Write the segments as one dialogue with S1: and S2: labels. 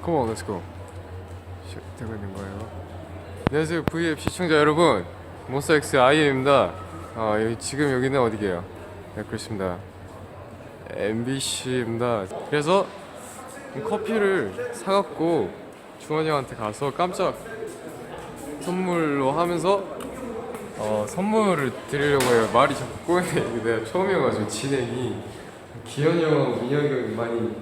S1: Come on, let's go. 되고 있는 거예요. 안녕하세요, V앱 시청자 여러분. 몬스타엑스 IM입니다. 지금 여기는 어디게요? 네, 그렇습니다. MBC입니다. 그래서 커피를 사갖고 주원이 형한테 가서 깜짝 선물로 하면서 선물을 드리려고 해요. 말이 자꾸 꼬이네. 내가 처음이어가지고 진행이 기현이 형, 민혁이 형이 많이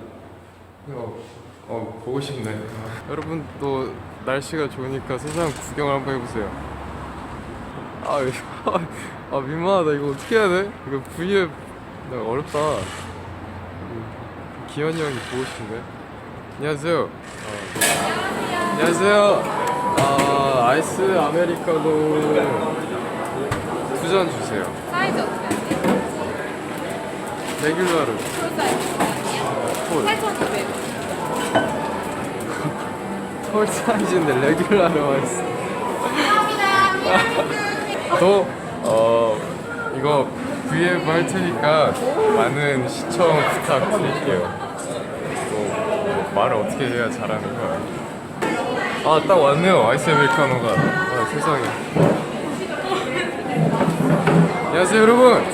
S1: 보고 싶네. 여러분 또 날씨가 좋으니까 세상 구경을 한번 해보세요. 민망하다. 이거 어떻게 해야 돼? 이거 V앱 어렵다. 기현이 형이 보고 싶은데. 안녕하세요. 안녕하세요. 아이스 아메리카노 2잔 주세요.
S2: 사이즈 어떻게 하세요?
S1: 레귤러로.
S2: 콜 사이즈 8,200.
S1: 콜 사이즈인데 레귤러로 했어. 이거 V앱 할 테니까 많은 시청 부탁드릴게요. 말을 어떻게 해야 잘하는 거야. 딱 왔네요. 아이스 아메리카노가. 세상에. 안녕하세요 여러분.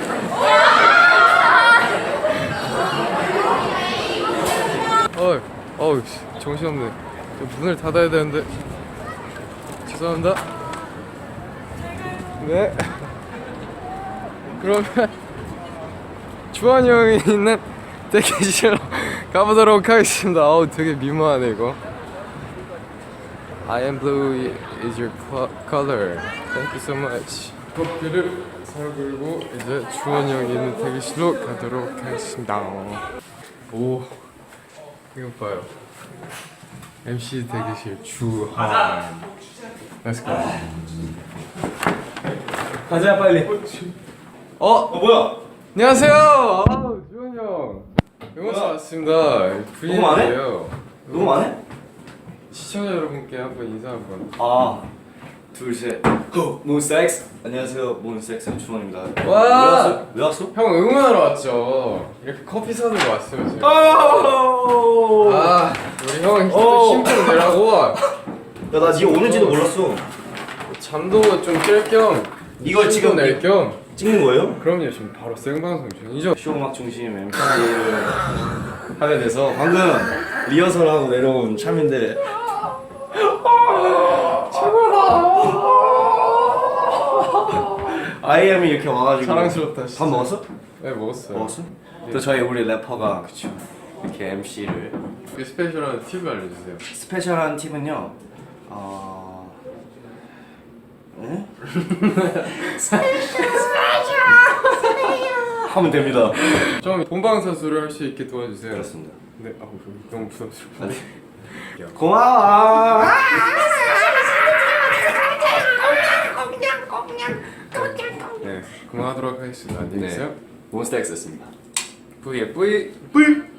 S1: 정신없네. 문을 닫아야 되는데. 죄송합니다. 네. 그러면 주한이 형이 있는 대기실로 가보도록 하겠습니다. 되게 민망하네 이거. I am blue is your color. Thank you so much. 커피를 사들고 이제 주원이 형이 있는 대기실로 가도록 하겠습니다. 오, 이거 봐요. MC 대기실 주한. Let's go.
S3: 가자 빨리. 뭐야?
S1: 안녕하세요. 주원이 형. 영화사 왔습니다.
S3: 녹음 안 해?
S1: V앱이에요.
S3: 녹음 안 해?
S1: 시청자 여러분께 한번 인사 한번.
S3: 둘 셋. 몬스타엑스. 안녕하세요, 몬스타엑스 주원입니다.
S1: 와!
S3: 왜 왔어?
S1: 형 응원하러 왔죠. 이렇게 커피 사들고 왔어요 지금. 우리 형 힘좀 내라고.
S3: 야, 나 니가 오는지도 몰랐어.
S1: 잠도 좀 깰 겸
S3: 이걸 지금
S1: 낼 겸.
S3: 찍는 거예요?
S1: 그럼요. 지금 바로 생방송 중이죠.
S3: 쇼음악 중심 MC를 하게 돼서 방금 리허설하고 내려온 참인데 IM이 이렇게 와가지고
S1: 사랑스럽다.
S3: 밥 먹었어?
S1: 네, 먹었어요.
S3: 먹었어? 또 저희 우리 래퍼가 이렇게 MC를
S1: 그 스페셜한 팁을 알려주세요.
S3: 스페셜한 팁은요. 응? 하면 됩니다.
S1: 좀 본방사수를 할 수 있게 도와주세요.
S3: 그렇습니다.
S1: 네, 너무 부담스럽다.
S3: 고마워.
S1: 네, 그만하도록 하겠습니다. 안녕히 계세요.
S3: 몬스타엑스였습니다.
S1: V앱 V.